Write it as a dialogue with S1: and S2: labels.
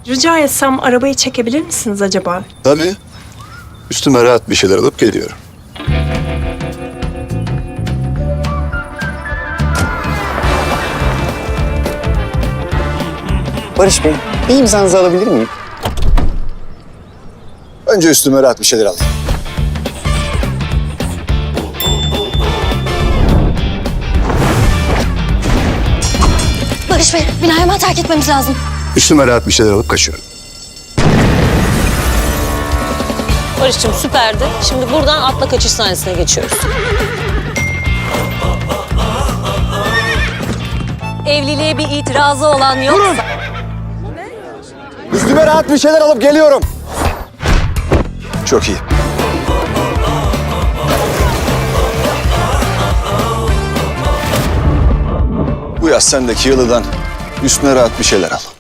S1: Rica etsem arabayı çekebilir misiniz acaba?
S2: Tabii. Üstüme rahat bir şeyler alıp geliyorum.
S3: Barış Bey, bir imzanızı alabilir miyim?
S2: Önce üstüme rahat bir şeyler alayım.
S4: Barış Bey, binayı hemen terk etmemiz lazım.
S2: Üstüme rahat bir şeyler alıp kaçıyorum.
S5: Barış'cığım süperdi. Şimdi buradan atla kaçış sahnesine geçiyoruz. Evliliğe bir itirazı olan yoksa...
S3: Üstüme rahat bir şeyler alıp geliyorum.
S2: Çok iyi. Bu yaz sendeki yalıdan üstüne rahat bir şeyler al.